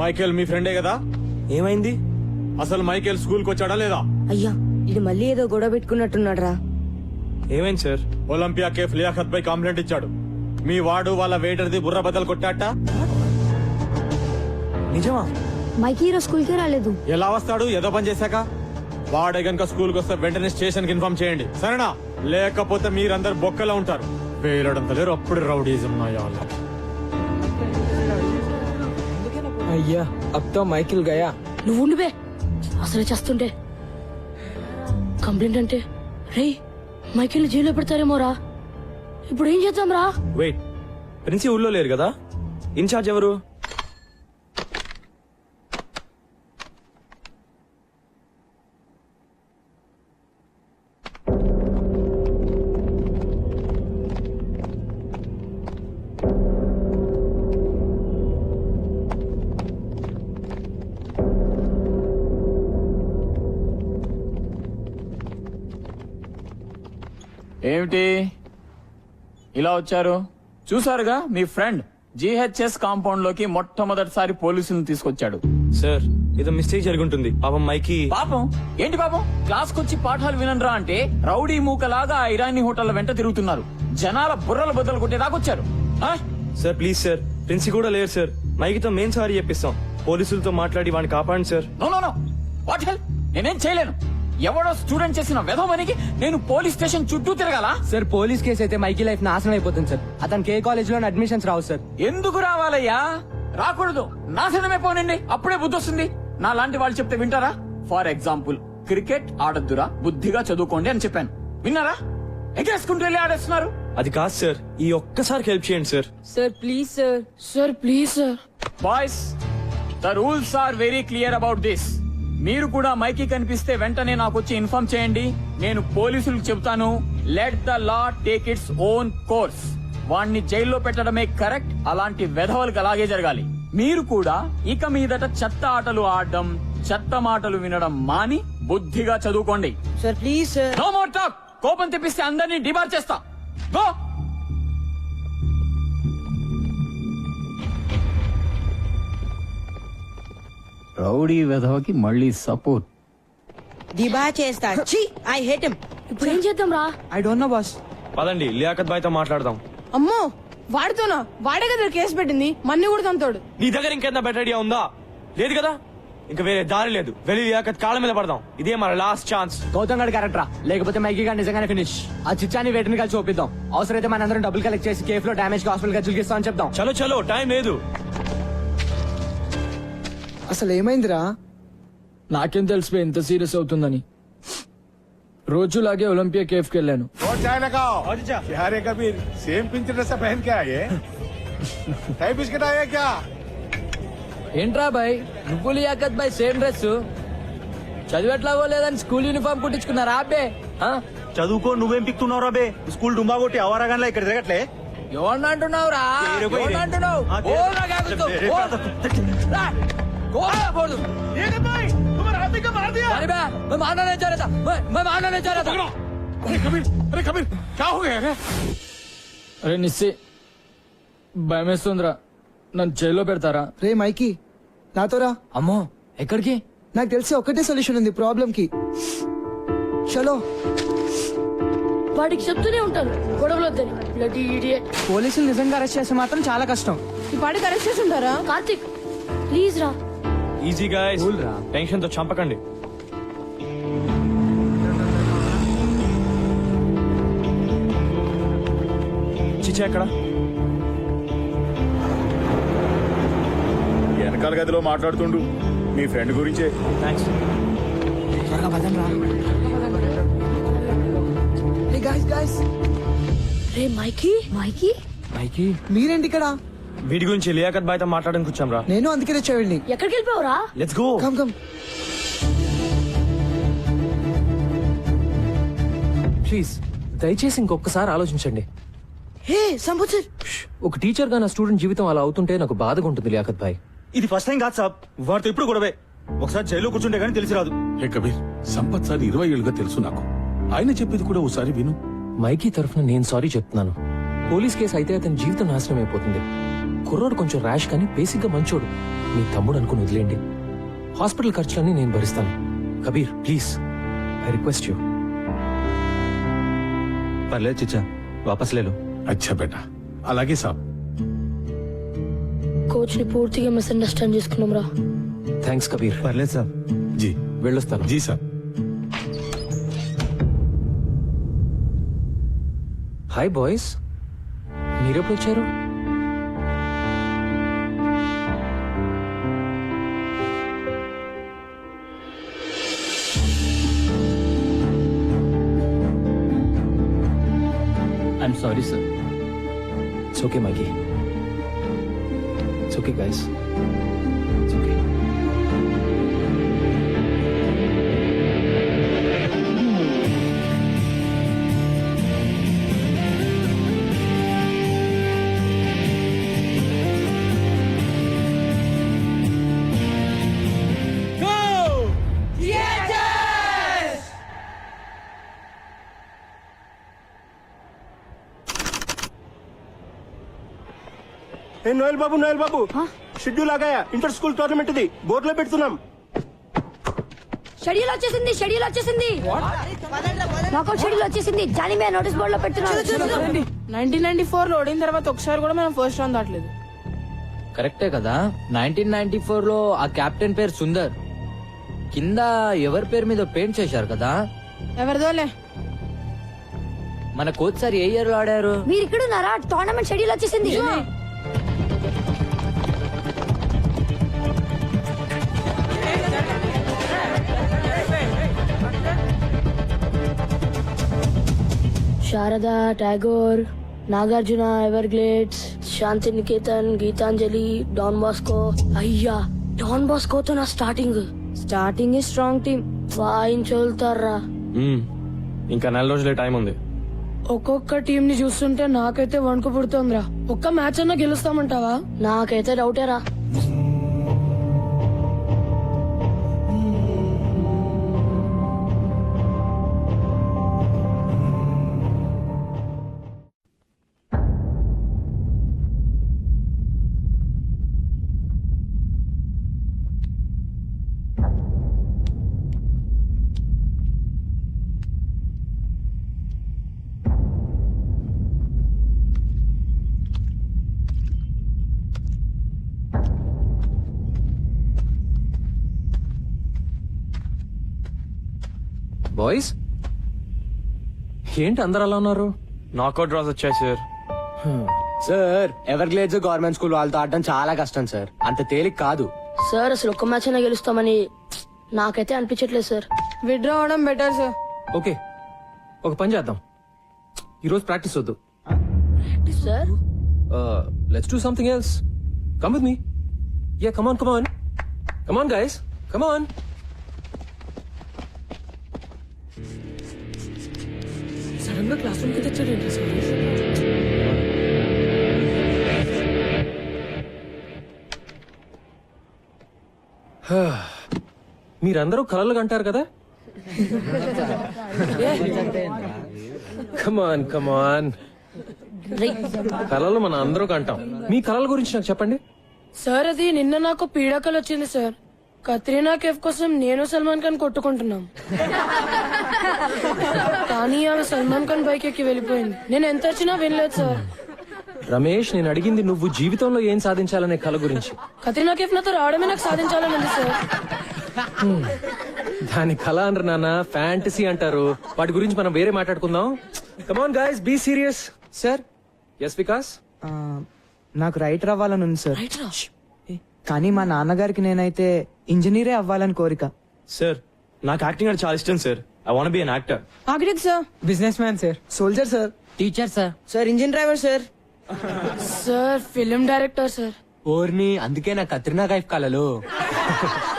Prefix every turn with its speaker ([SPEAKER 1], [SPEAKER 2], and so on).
[SPEAKER 1] Michael మీ ఫ్రెండే కదా?
[SPEAKER 2] ఏమైంది?
[SPEAKER 1] అసలు మైకేల్ స్కూల్ కి వచ్చాడా లేదా?
[SPEAKER 3] అయ్యా ఇది మళ్ళీ ఏదో గొడవ పెట్టుకున్నట్టున్నాడు రా.
[SPEAKER 2] ఏమైంది సార్?
[SPEAKER 1] ఒలింపియా కేఫ్ లియాఖత్ పై కంప్లైంట్ ఇచ్చాడు. మీ వాడు వాళ్ళ వెయిటర్ది బుర్ర బద్దలు కొట్టాట.
[SPEAKER 2] నిజమా?
[SPEAKER 3] మైకి ఈరోజు స్కూల్ కి రాలేదు.
[SPEAKER 1] ఎలా వస్తాడు? ఏదో పని చేశాక. వాడే గనుక స్కూల్ కి వస్తే వెంటనే స్టేషన్ కి ఇన్ఫార్మ్ చేయండి, సరేనా? లేకపోతే మీరందరు బొక్కలో ఉంటారు. వేలడంత లేరు, అప్పుడు రౌడీజం నాయాల.
[SPEAKER 4] అయ్యా అబ్ తో మైకిల్ గయా.
[SPEAKER 5] నువ్వు ఉండిపే, అసలే చేస్తుంటే కంప్లైంట్ అంటే రే మైకిల్ జైల్లో పెడతారేమోరా. ఇప్పుడు ఏం చేద్దాం రా?
[SPEAKER 2] వెయిట్, ప్రిన్సి ఊళ్ళో లేరు కదా? ఇన్ఛార్జ్ ఎవరు?
[SPEAKER 6] ఏమిటి ఇలా వచ్చారు? చూసారుగా మీ ఫ్రెండ్ జిహెచ్ఎస్ కాంపౌండ్ లోకి మొట్టమొదటిసారి పోలీసులను తీసుకొచ్చాడు.
[SPEAKER 2] సార్ ఏదో మిస్టేక్ జరుగుంటుంది. పాపం మైకి.
[SPEAKER 6] పాపం ఏంటి పాపం? క్లాస్ కొచ్చి పాఠాలు వినరా అంటే రౌడీ మూకలాగా ఆ ఇరానీ హోటళ్ల వెంట తిరుగుతున్నారు. జనాల బుర్రలు బద్దలు కొట్టేదాకొచ్చారు.
[SPEAKER 2] సార్ ప్లీజ్ సార్, ప్రిన్సి కూడా లేరు సార్. మైకితో మేం సారీ చెప్పిస్తాం. పోలీసులతో మాట్లాడి వాడిని కాపాడండి sir.
[SPEAKER 6] No no no, what hell? నేనేం చేయలేను. ఎవడో స్టూడెంట్ చేసిన వెధమనికి నేను పోలీస్ స్టేషన్ చుట్టూ తిరగాల?
[SPEAKER 4] సార్ పోలీస్ కేసు అయితే మైకి లైఫ్ నాశనం అయిపోతుంది సార్. అతనికి ఏ కాలేజ్ లో అడ్మిషన్స్ రావు సార్.
[SPEAKER 6] ఎందుకు రావాలయ్యా? రాకూడదు, నాశనమే పోనండి, అప్పుడే బుద్ధి వస్తుంది. నా లాంటి వాళ్ళు చెప్తే వింటారా? ఫర్ ఎగ్జాంపుల్, క్రికెట్ ఆడద్దురా, బుద్ధిగా చదువుకోండి అని చెప్పాను. విన్నారా? ఎగరేసుకుంటూ వెళ్ళి ఆడేస్తున్నారు.
[SPEAKER 2] అది కాదు సార్, ఈ ఒక్కసారి హెల్ప్ చేయండి sir.
[SPEAKER 3] Sir please sir.
[SPEAKER 5] Sir please sir.
[SPEAKER 6] Boys, the rules are very clear about this. మీరు కూడా మైకి కనిపిస్తే వెంటనే నాకు వచ్చి ఇన్ఫార్మ్ చేయండి. నేను పోలీసులకు చెబుతాను. Let the law take its own course. వాణ్ణి జైల్లో పెట్టడమే కరెక్ట్. అలాంటి వెధవలకు అలాగే జరగాలి. మీరు కూడా ఇక మీదట చెత్త ఆటలు ఆడడం, చెత్త మాటలు వినడం మాని బుద్ధిగా చదువుకోండి.
[SPEAKER 3] Sir please sir.
[SPEAKER 6] No more talk. కోపం తెప్పిస్తే అందరినీ డిబార్ చేస్తా. గో. రౌడీ వెధవకి మళ్ళీ సపోర్ట్.
[SPEAKER 3] దిబా చేస్తా. ఛీ, ఐ హేట్ హిమ్.
[SPEAKER 5] ఇప్పుడు ఏం చేద్దాం రా?
[SPEAKER 4] I don't know boss.
[SPEAKER 2] పదండి లియాఖత్ బాయ్ తో మాట్లాడదాం.
[SPEAKER 7] అమ్మో వాడితోనా? వాడే కదా కేసు పెట్టింది, మన్ని కూడా తంతాడు.
[SPEAKER 2] నీ దగ్గర ఇంకేదైనా బెటర్ ఐడియా ఉందా? లేదు కదా? ఇంకా వేరే దారి లేదు. వెళ్ళి లియాఖత్ కాళ్ళ మీద పడదాం. ఇదే మన లాస్ట్ ఛాన్స్.
[SPEAKER 4] గౌతమ్ గడ్ కరెక్ట్ రా, లేకపోతే మైకి గారు నిజంగానే ఫినిష్. ఆ చిచ్చాని వేటిని కలిసి ఒప్పిద్దాం. అవసరమైతే మనందరం డబ్బులు కలెక్ట్ చేసి కేఫ్ లో డామేజ్ హాస్పిటల్ ఖర్చులు ఇస్తామని చెప్దాం.
[SPEAKER 2] చలో చలో, టైం లేదు.
[SPEAKER 4] అసలు ఏమైందిరా? నాకేం తెలిసిపోయి ఎంత సీరియస్ అవుతుందని. రోజులాగే ఒలింపియా కేఫ్ కి వెళ్ళాను.
[SPEAKER 8] और चाय लगाओ। क्या रे कबीर, सेम पिंच ड्रेस पहन के आए? टाई बिस्किट आए क्या?
[SPEAKER 4] ఏంట్రా బాయ్, నువ్వు లియాఖత్ బాయ్ సేమ్ డ్రెస్? చదివెట్లాగో లేదని స్కూల్ యూనిఫామ్ కుట్టించుకున్నారా అబ్బే?
[SPEAKER 9] చదువుకో, నువ్వేం పిక్తున్నావు రా బే? స్కూల్ డుంబా కొట్టి అవరాగానే ఇక్కడ తిరగట్లే.
[SPEAKER 4] ఎవరిని అంటున్నావురా? ఎవరిని అంటున్నావు? బోల్ నా కాకుతో, బోల్. రా, గోల్ బోల్.
[SPEAKER 8] ये भाई, तुम्हारा हाथी का मार दिया।
[SPEAKER 4] अरे मैं मारना नहीं चाह रहा था, मैं मारना नहीं चाह रहा था।
[SPEAKER 8] अरे कबीर क्या हो गया?
[SPEAKER 4] అరే నిస్సి, భయమేస్తుందిరా. నన్ను జైల్లో పెడతారా?
[SPEAKER 10] రే మైకి, నాతో రా.
[SPEAKER 4] అమ్మో ఎక్కడికి?
[SPEAKER 10] నాకు తెలిసి ఒకటే సొల్యూషన్ ఉంది ప్రాబ్లం కి. చలో.
[SPEAKER 5] వాడికి చెప్తూనే ఉంటాను గొడవలు వద్దని. Bloody idiot.
[SPEAKER 4] పోలీసులు నిజంగా అరెస్ట్ చేస్తే మాత్రం చాలా కష్టం.
[SPEAKER 7] ఈ పాటికి అరెస్ట్ చేసి ఉంటారా?
[SPEAKER 5] కార్తిక్ ప్లీజ్ రా.
[SPEAKER 2] ఈజీ గాయ్స్, టెన్షన్ తో చంపకండి. చిచ్చా ఎక్కడ?
[SPEAKER 8] వెనకాల గదిలో మాట్లాడుతుండు మీ ఫ్రెండ్ గురించే.
[SPEAKER 2] థ్యాంక్స్.
[SPEAKER 4] త్వరగా పదండి రా.
[SPEAKER 10] హే గైస్ గైస్,
[SPEAKER 5] రే మైకి. మైకి
[SPEAKER 4] మైకి
[SPEAKER 10] మీరేంటి ఇక్కడ?
[SPEAKER 2] వీడి గురించి లియాఖత్ బాయ్ తో మాట్లాడడానికి వచ్చాం రా.
[SPEAKER 10] నేను అందుకే తెచ్చేవాడిని.
[SPEAKER 5] ఎక్కడికి వెళ్ళిపోవరా?
[SPEAKER 2] Let's go.
[SPEAKER 10] Come come.
[SPEAKER 4] Please దయచేసి ఇంకొకసారి ఆలోచించండి.
[SPEAKER 3] హే సంబుచర్,
[SPEAKER 4] ఒక టీచర్ గా నా స్టూడెంట్ జీవితం అలా అవుతుంటే నాకు బాధగా ఉంటుంది లియాఖత్ భాయ్.
[SPEAKER 9] ఇది ఫస్ట్ టైం కాదు సాబ్, వాడితో ఇప్పుడు గొడవే. ఒకసారి జైల్లో కూర్చుంటే గానీ తెలిసి రాదు.
[SPEAKER 8] హే కబీర్, సంపత్ సార్ 20 ఏళ్ళుగా తెలుసు నాకు. ఆయన చెప్పేది కూడా ఒకసారి విను.
[SPEAKER 4] మైకి తరఫున నేను సారీ చెప్తున్నాను.
[SPEAKER 11] పోలీస్ కేసు అయితే అతని జీవితం నాశనం అయిపోతుంది. కుర్రోడు కొంచెం ర్యాష్ కానీ బేసిక్ గా మంచోడు. మీ తమ్ముడు అనుకుని వదిలేండి. హాస్పిటల్ ఖర్చులన్నీ నేను భరిస్తాను. Kabir please, I request you.
[SPEAKER 9] పర్లేదు చిచ్చా, వాపస్ లేలో.
[SPEAKER 8] అచ్చా బేటా, అలాగే సాబ్.
[SPEAKER 5] కోచ్ ని పూర్తిగా మిస్అండర్స్టాండ్ చేసుకున్నాం రా.
[SPEAKER 11] థ్యాంక్స్ కబీర్.
[SPEAKER 9] పర్లేదు సార్.
[SPEAKER 8] జీ
[SPEAKER 11] వెళ్ళొస్తాను.
[SPEAKER 8] జీ సాబ్.
[SPEAKER 11] హాయ్ బాయ్స్, మీరెప్పుడు వచ్చారు?
[SPEAKER 6] I'm sorry sir.
[SPEAKER 11] It's okay, Mikey. It's okay, guys. It's okay.
[SPEAKER 9] Noel బాబు షెడ్యూల్ ఆగాయా? ఇంటర్ స్కూల్ టోర్నమెంట్ ఇది బోర్డులో పెడుతున్నాం.
[SPEAKER 5] షెడ్యూల్ వచ్చేసింది నాకౌట్ షెడ్యూల్ వచ్చేసింది. జానీ మే నోటీస్ బోర్డు లో పెడుతున్నాను.
[SPEAKER 7] 1994 లో ఓడిన తర్వాత ఒకసారి కూడా మనం ఫస్ట్ రౌండ్ దాటలేదు.
[SPEAKER 4] కరెక్టే కదా. 1994 లో ఆ కెప్టెన్ పేరు సుందర్. కింద ఎవరి పేరు మీద పెయింట్ చేశారు కదా.
[SPEAKER 7] ఎవరిదోలే.
[SPEAKER 4] మన కోచ్ సార్ ఏ ఇయర్ లో ఆడారు?
[SPEAKER 5] మీరు ఇక్కడ ఉన్నారా? టోర్నమెంట్ షెడ్యూల్ వచ్చేసింది. Sharada, Tagore, Nagarjuna, Everglades, Shanti Niketan, Gitanjali, Don Bosco. అయ్యా, డాన్ బాస్కోతో నా స్టార్టింగ్ స్ట్రాంగ్ టీమ్ వాయించోల్తారా.
[SPEAKER 2] ఇంకా 4 రోజులే టైం ఉంది.
[SPEAKER 3] ఒక్కొక్క టీం ని చూస్తుంటే నాకైతే వణుకు పుడుతోందిరా. ఒక్క మ్యాచ్ అన్నా గెలుస్తామంటావా?
[SPEAKER 5] నాకైతే డౌటేరా.
[SPEAKER 11] బాయ్స్, ఏంటి అందరు అలా ఉన్నారు?
[SPEAKER 2] నాకౌట్ డ్రాస్ వచ్చాయి sir.
[SPEAKER 4] Sir, Everglades government school వాళ్ళతో ఆడడం చాలా కష్టం సార్. అంత తేలిక కాదు
[SPEAKER 5] సార్. అసలు ఒక్క మ్యాచ్ అయినా గెలుస్తామని నాకైతే అనిపించట్లేదు సార్.
[SPEAKER 7] విత్డ్రా అవడం బెటర్ సార్.
[SPEAKER 11] ఓకే, ఒక పని చేద్దాం. ఈరోజు ప్రాక్టీస్ వద్దు.
[SPEAKER 5] Sir
[SPEAKER 11] let's do something else. Come with me. Yeah, come on guys, come on.
[SPEAKER 3] Sudden గా క్లాస్ రూమ్ కి తెచ్చాడేంటి సార్?
[SPEAKER 11] మీరందరూ కలలు కంటారు కదా. కమాన్ కలలు మన అందరూ కంటాం. మీ కలల గురించి నాకు చెప్పండి.
[SPEAKER 3] సార్, అది నిన్న నాకు పీడాకలు వచ్చింది సార్. కత్రీనా కేఫ్ కోసం నేను సల్మాన్ ఖాన్ కొట్టుకుంటున్నాం. కానీ ఆమె సల్మాన్ ఖాన్ బైక్ ఎక్కి వెళ్ళిపోయింది. నేను ఎంత వచ్చినా వినలేదు సార్.
[SPEAKER 11] రమేష్, నేను అడిగింది నువ్వు జీవితంలో ఏం సాధించాలనే కల గురించి.
[SPEAKER 3] కత్రీనా కేఫ్ నాతో రావడమే నాకు సాధించాలని ఉంది సార్.
[SPEAKER 11] దాని కళ అనరు నాన్న, ఫ్యాంటసీ అంటారు. వాటి గురించి మనం వేరే మాట్లాడుకుందాం. Come on guys, be serious.
[SPEAKER 4] Sir.
[SPEAKER 11] Yes Vikas.
[SPEAKER 4] నాకు రైటర్ అవ్వాలని ఉంది సార్. కానీ మా నాన్నగారికి నేనైతే ఇంజనీరే అవ్వాలని కోరిక.
[SPEAKER 2] సార్, నాకు యాక్టింగ్ అంటే చాలా ఇష్టం sir. I want be an actor.
[SPEAKER 7] Architect sir.
[SPEAKER 4] Businessman sir.
[SPEAKER 10] Soldier sir.
[SPEAKER 4] Teacher sir.
[SPEAKER 3] Sir, engine driver sir. Sir, film director sir.
[SPEAKER 4] ఓర్ని, అందుకే నా కత్రినా కైఫ్ కలలు.